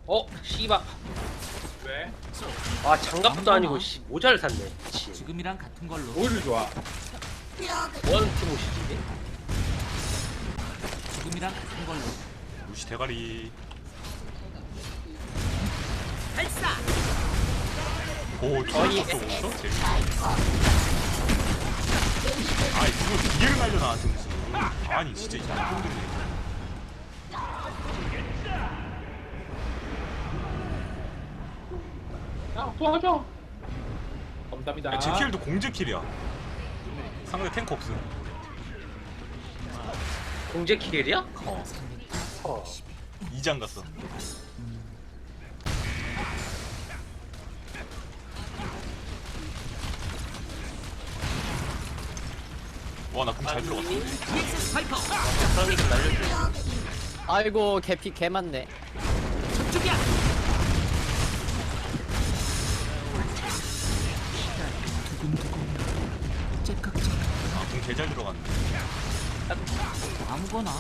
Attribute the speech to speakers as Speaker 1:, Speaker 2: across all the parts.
Speaker 1: 씨발.
Speaker 2: 왜?
Speaker 1: 아, 장갑도 아니고 씨 모자를 샀네. 미친.
Speaker 3: 지금이랑 같은 걸로.
Speaker 2: 오히려 좋아.
Speaker 1: 뭐하는 팀옷이지?
Speaker 3: 지금이랑 같은 걸로.
Speaker 4: 무시 대가리.
Speaker 3: 발사.
Speaker 4: 오,
Speaker 1: 거의-
Speaker 4: 저기 없어? 재밌어. 아이, 그거 기계를 날려 나한테 무슨. 아니, 진짜 이 양반들이.
Speaker 2: 야, 도와줘. 감사합니다.
Speaker 4: 야, 제 킬도 공제 킬이야. 상대 탱크 없음.
Speaker 1: 공제 킬이야?
Speaker 4: 어. 2장 갔어. 와, 나 공 잘 들어갔어.
Speaker 3: 파이퍼.
Speaker 1: 그러니까 날려줘.
Speaker 5: 아이고 개피 개 많네.
Speaker 3: 저쪽이야. 두근두근. 째깍째깍.
Speaker 4: 아, 공 개 잘 들어갔네.
Speaker 3: 아무거나.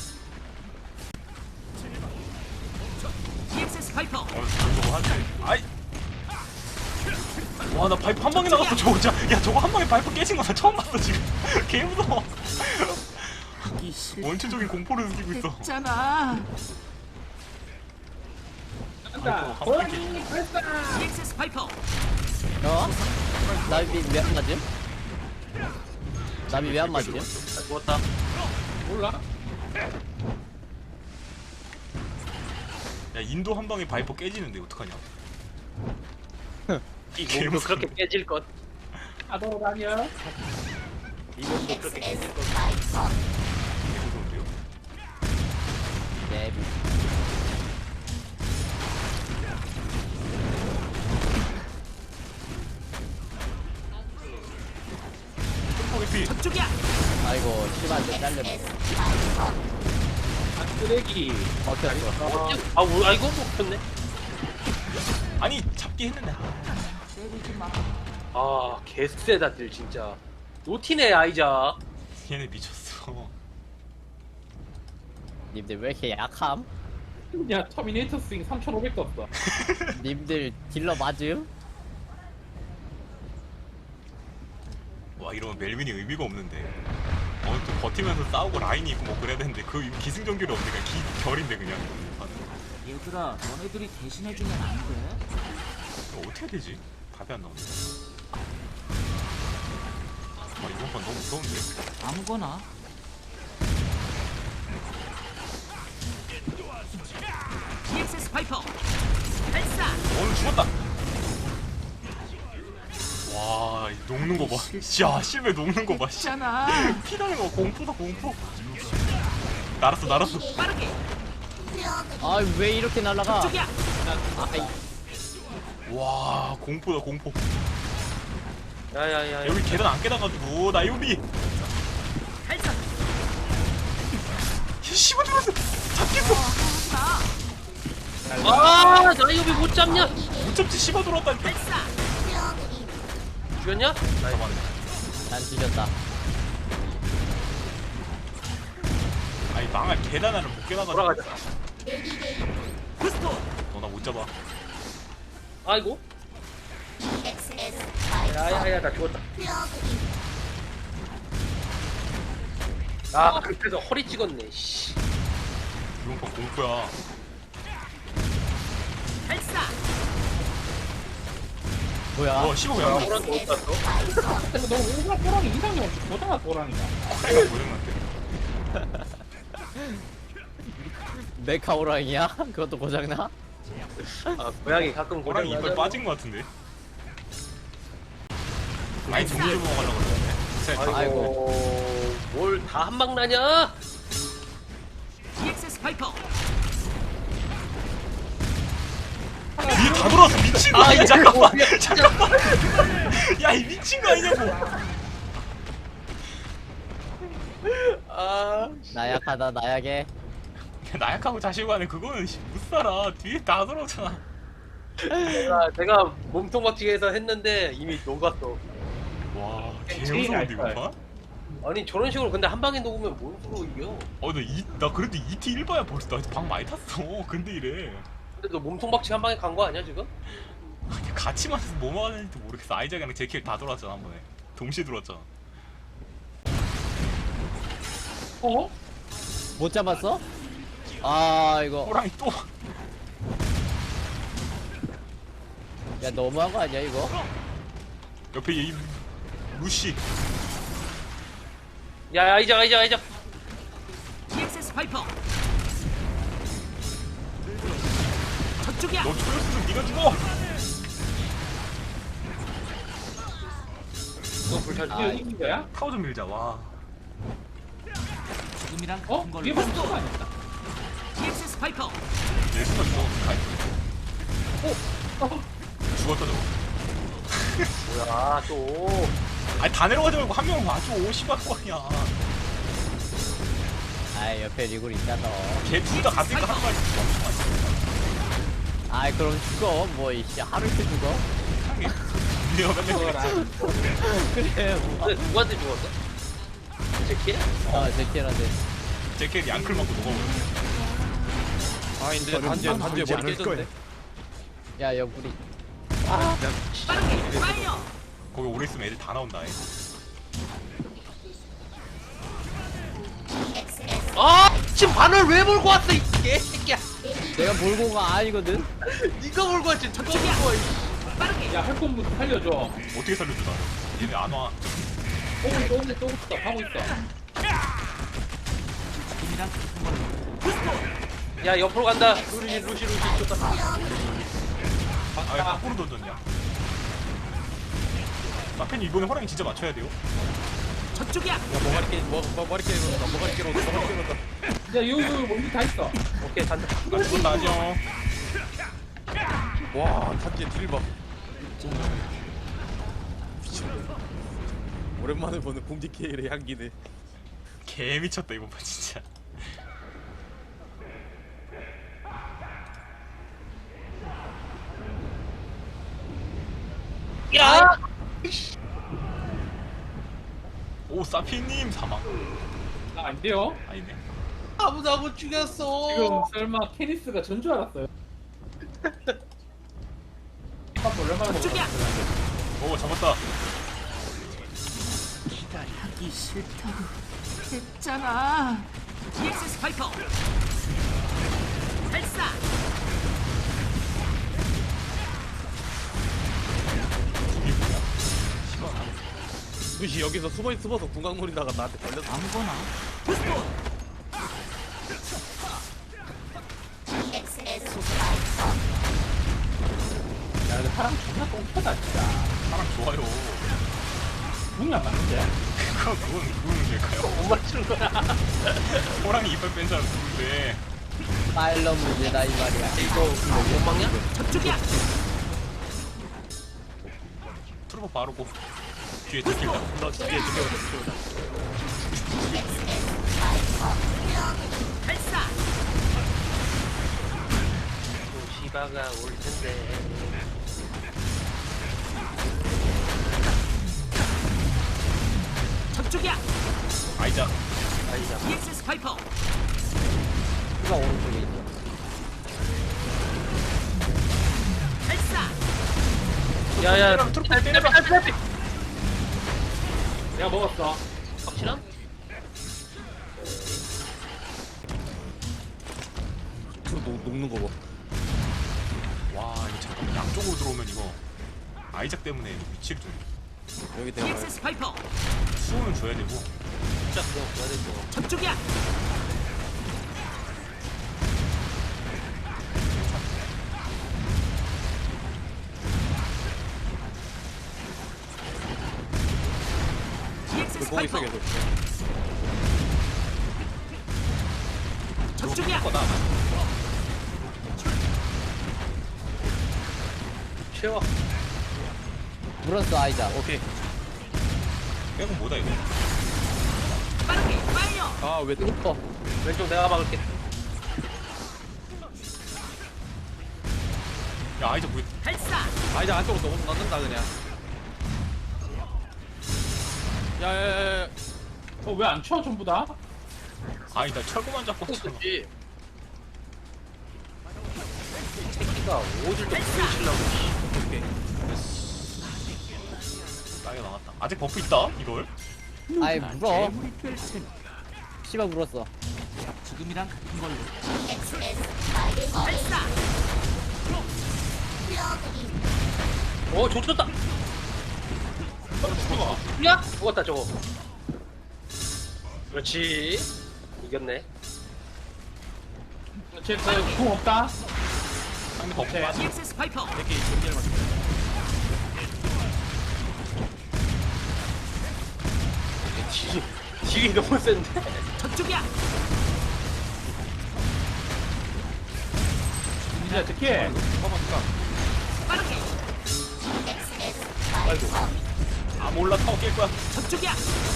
Speaker 3: EXS 파이퍼.
Speaker 4: 저거 하지. 아이. 와, 나 파이프 한 방에 나갔어. 저거 진짜. 야, 저거 한 방에 파이프 깨진 거 나 처음 봤어, 지금. 개 무서워.
Speaker 3: 하기 싫다.
Speaker 4: 원초적인 공포를 느끼고 있어.
Speaker 3: 했잖아.
Speaker 2: 간다.
Speaker 4: 아이고,
Speaker 2: 고양이 발사.
Speaker 3: EXS 파이퍼.
Speaker 5: 나비 왜 안 맞음? 나비 왜 안 맞음?
Speaker 1: 나 죽었다.
Speaker 2: 몰라?
Speaker 4: 야, 인도 한 방에 바이퍼 깨지는데 어떡하냐?
Speaker 1: 이 몸도 그렇게 깨질 것.
Speaker 2: 아도라냐?
Speaker 1: 이 몸도 그렇게 깨질 것.
Speaker 4: 개 무서운데요?
Speaker 5: 네.
Speaker 4: 피
Speaker 3: 저쪽이야.
Speaker 5: 아이고 씨발한테 잘렸네.
Speaker 2: 아, 쓰레기.
Speaker 5: 먹혔어.
Speaker 1: 아이고 먹혔네.
Speaker 4: 아니, 잡기 했는데.
Speaker 3: 때리지 마.
Speaker 1: 아, 개쎄다들 진짜. 노티네 아이자.
Speaker 4: 얘네 미쳤어.
Speaker 5: 님들 왜 이렇게 약함?
Speaker 2: 야, 터미네이터 스윙 3,500 떴어.
Speaker 5: 님들 딜러 맞음?
Speaker 4: 와, 이러면 멜빈이 의미가 없는데. 또 버티면서 싸우고 라인이 있고 뭐 그래야 되는데 그 기승전결이 없네. 그냥 결인데 그냥.
Speaker 3: 얘들아, 너네들이 대신해주면 안 돼?
Speaker 4: 이거 어떻게 해야 되지? 답이 안 나오네. 아, 이번 판 너무 무서운데.
Speaker 3: 아무거나. EXS 파이퍼. 발사.
Speaker 4: 오늘 죽었다. 와, 이 녹는 거 봐. 야, 실베 녹는 거 봐. 씨.
Speaker 3: 있잖아.
Speaker 4: 피 나는 거 공포다 공포. 날았어.
Speaker 3: 빠르게.
Speaker 5: 아 왜 이렇게 날아가?
Speaker 3: 저쪽이야.
Speaker 5: 아이
Speaker 4: 와, 공포다 공포.
Speaker 1: 야야야.
Speaker 4: 여기 계단 안 깨다가지고 나 요비.
Speaker 3: 발사.
Speaker 4: 씹어 죽었어. 잡겠어.
Speaker 1: 아, 나이오비 못 잡냐?
Speaker 4: 못 잡지 씹어 들어왔다니까.
Speaker 3: 발사.
Speaker 1: 죽였냐?
Speaker 4: 잡았네.
Speaker 5: 난 뒤졌다.
Speaker 4: 아니 망할 계단 하나를 못 깨나가지고.
Speaker 1: 돌아가자.
Speaker 3: 부스터.
Speaker 4: 너 나 못 잡아.
Speaker 1: 아이고. 야야야, 나 죽었다. 아, 그래서 허리 찍었네. 씨.
Speaker 4: 이번 판 공포야.
Speaker 3: 발사.
Speaker 5: 뭐야?
Speaker 4: 씹어 그냥.
Speaker 1: 호랑이 어디 갔어?
Speaker 2: 근데 너 오가 호랑이 이상이 없지. 보잖아, 호랑이가.
Speaker 4: 내가 고장났대.
Speaker 5: 메카 호랑이야? 그것도 고장나?
Speaker 1: 아, 고양이 가끔
Speaker 4: 호랑이
Speaker 1: 고장
Speaker 4: 이빨
Speaker 1: 나잖아.
Speaker 4: 빠진 거 같은데. 아니 정리 좀 먹으려고 그러네.
Speaker 1: 아이고, 뭘 다 한 방 나냐?
Speaker 3: EXS 파이퍼.
Speaker 4: 위에 다 돌아왔어. 미친 거 아니야? 잠깐만. 잠깐만. 야, 이 미친 거 아니냐고.
Speaker 1: 아,
Speaker 5: 나약하다 나약해.
Speaker 4: 나약하고 자신만에 그거는 못 살아. 뒤에 다 돌아오잖아.
Speaker 1: 내가 몸통 박치기 해서 했는데 이미 녹았어.
Speaker 4: 와, 개
Speaker 2: 제일
Speaker 4: 무서운데 이거
Speaker 2: 알까요?
Speaker 4: 봐.
Speaker 1: 아니 저런 식으로 근데 한 방에 녹으면 뭔 수로 이겨?
Speaker 4: 나 그래도 2T 1바야 벌써. 나 방 많이 탔어. 근데 이래.
Speaker 1: 근데 너 몸통 박치 한 방에 간 거 아니야 지금?
Speaker 4: 아니, 같이 맞아서 뭐 맞았는지 모르겠어. 아이작이랑 제킬 다 돌았잖아 한 번에. 동시에 돌았잖아.
Speaker 2: 어?
Speaker 5: 못 잡았어? 아 이거
Speaker 4: 호랑이 또.
Speaker 5: 야 너무한 거 아니야 이거?
Speaker 4: 옆에 이 루시.
Speaker 1: 야 아이작.
Speaker 3: EXS 파이퍼. 저쪽이야.
Speaker 4: 너 초였으면 네가 죽어.
Speaker 1: 너 불찰
Speaker 2: 이게
Speaker 5: 아,
Speaker 2: 이긴 거야?
Speaker 4: 타워 좀 밀자. 와.
Speaker 3: 지금이랑
Speaker 2: 어?
Speaker 3: 같은 걸로.
Speaker 2: 이게 무슨 거 아니야?
Speaker 3: EXS 파이퍼.
Speaker 4: 내 순간 죽어. 가이.
Speaker 2: 어?
Speaker 4: 죽었다 저거.
Speaker 1: 뭐야 또.
Speaker 4: 아니 다 내려가지 말고 한 명 와줘. 씨발 거 아니야.
Speaker 5: 아 옆에 리굴 있잖아.
Speaker 4: 걔 둘 다 같으니까 한 마리 죽어.
Speaker 5: 아이 그럼 죽어 뭐 이씨 하루 이틀 죽어?
Speaker 4: 내가 맨날
Speaker 2: 그거라.
Speaker 5: 그래 뭐.
Speaker 1: 근데 누구한테 죽었어? 제키?
Speaker 5: 아 제키한테.
Speaker 4: 제킬 양클 맞고 녹아버렸어.
Speaker 6: 아닌데 단지에 머리 깨졌는데.
Speaker 5: 야 옆구리.
Speaker 3: 빠르게 파이어.
Speaker 4: 거기 오래 있으면 애들 다 나온다. 애.
Speaker 1: 아 지금 바늘 왜 몰고 왔어 이 개새끼야.
Speaker 5: 내가 몰고 가 아니거든.
Speaker 1: 네가 몰고 왔지 누가 몰고 와.
Speaker 3: 빠르게.
Speaker 2: 야 할건부터 살려줘.
Speaker 4: 어떻게 살려줘 나? 얘네 안 와.
Speaker 2: 오고 있어 하고 있어.
Speaker 3: 지금이랑 같은 걸로.
Speaker 1: 야 옆으로 간다. 루시 좋다.
Speaker 4: 아왜 거꾸로 던졌냐? 마펜이 이번에 호랑이 진짜 맞춰야 돼요.
Speaker 3: 저쪽이야.
Speaker 6: 야 머가리 깨 머가리 깨놓는다. 머가리 깨놓는다.
Speaker 2: 야 여기 뭔지 다 있어.
Speaker 1: 오케이 간다.
Speaker 4: 나 죽었다 안녕.
Speaker 6: 와 단지에 딜 봐. 미쳤네. 오랜만에 보는 공지 케일의 향기네.
Speaker 4: 개 미쳤다 이번 판 진짜.
Speaker 1: 야.
Speaker 4: 오 사피님 사망.
Speaker 2: 아, 안 돼요?
Speaker 4: 아니네.
Speaker 1: 아무도 못 죽였어.
Speaker 2: 지금 설마 케니스가 전 줄 알았어요? 밥 얼마나
Speaker 3: 저쪽이야.
Speaker 2: 먹었어?
Speaker 4: 오 잡았다.
Speaker 3: 기다리기 싫다고 했잖아. EXS 파이퍼. 발사.
Speaker 4: 이게 뭐야?
Speaker 6: 루시 여기서 숨어서 궁각 노리다가 나한테 걸렸어.
Speaker 3: 아무거나.
Speaker 2: 야 근데 사람 존나 똥차다 진짜.
Speaker 4: 사람 좋아요.
Speaker 2: 궁이 안 맞는데?
Speaker 4: 그건 누구는 될까요?
Speaker 1: 못 맞추는 거야.
Speaker 4: 호랑이 이빨 뺀 사람 누군데?
Speaker 5: 파일럿 문제다 이 말이야.
Speaker 1: 이거 못 막냐?
Speaker 3: 저쪽이야.
Speaker 4: 트루퍼 바르고 뒤에 제킬다.
Speaker 6: 너 뒤에 죽여버렸어.
Speaker 3: 발사.
Speaker 1: 또 시바가 올 텐데.
Speaker 3: 저쪽이야.
Speaker 4: 아이작.
Speaker 1: 아이작.
Speaker 3: EXS 파이퍼.
Speaker 5: 누가 오른쪽에 있어.
Speaker 3: 발사.
Speaker 1: 야야.
Speaker 4: 트루퍼 때려.
Speaker 1: 딸피.
Speaker 2: 내가 먹었어.
Speaker 1: 확실함?
Speaker 6: 녹는 거 봐.
Speaker 4: 와 이거 잠깐만 양쪽으로 들어오면 이거 아이작 때문에 위치를 좀
Speaker 6: 여기 내가
Speaker 3: EXS 파이퍼.
Speaker 4: 수호는 줘야 되고.
Speaker 1: 진짜 그거 줘야 되고.
Speaker 3: 저쪽이야. EXS
Speaker 6: 공 있어
Speaker 3: 파이퍼.
Speaker 6: 계속.
Speaker 3: 저쪽이야.
Speaker 4: 거다.
Speaker 1: 채워.
Speaker 5: 물었어 아이자.
Speaker 6: 오케이.
Speaker 4: 빼고 뭐다 이거?
Speaker 3: 빠르게 파이어.
Speaker 6: 아왜
Speaker 5: 뚫어.
Speaker 1: 왼쪽 내가 막을게.
Speaker 4: 야 아이작 뭐?
Speaker 3: 발사.
Speaker 6: 아 이제 안쪽으로 너무 넣는다 그냥. 야야야야.
Speaker 2: 왜 안 쳐 전부 다?
Speaker 4: 아니 나 철거만 잡고 왔잖아.
Speaker 1: 그렇지. 씨가 오질도 부딪히려고.
Speaker 4: 오케이. 싸게 나갔다. 아직 버프 있다 이걸?
Speaker 5: 아이 물어.
Speaker 3: 재물이 될 테니까.
Speaker 5: 씨발 물었어.
Speaker 3: 죽음이랑 같은 걸로. 발사.
Speaker 1: 좋쳤다. 야, 죽었다 저거. 그렇지. 이겼네.
Speaker 2: 쟤그궁 없다.
Speaker 4: 상대 버프
Speaker 2: 네.
Speaker 4: 빠지.
Speaker 3: EXS 파이퍼.
Speaker 4: 되게 연기를 맞춰.
Speaker 1: 딜이 너무 센데.
Speaker 3: 저쪽이야.
Speaker 2: 이제 특히
Speaker 3: 빠르게.
Speaker 4: 아 몰라 타워 깰 거야.
Speaker 3: 저쪽이야.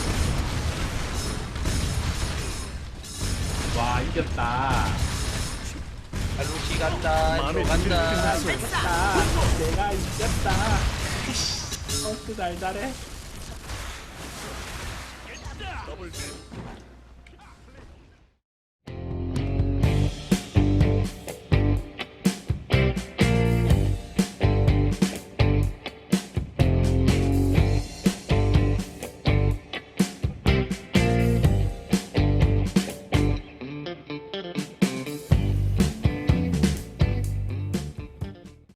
Speaker 2: 와 이겼다.
Speaker 1: 루시 간다. 로 간다.
Speaker 3: 발사.
Speaker 2: 내가 이겼다. 또 달달해.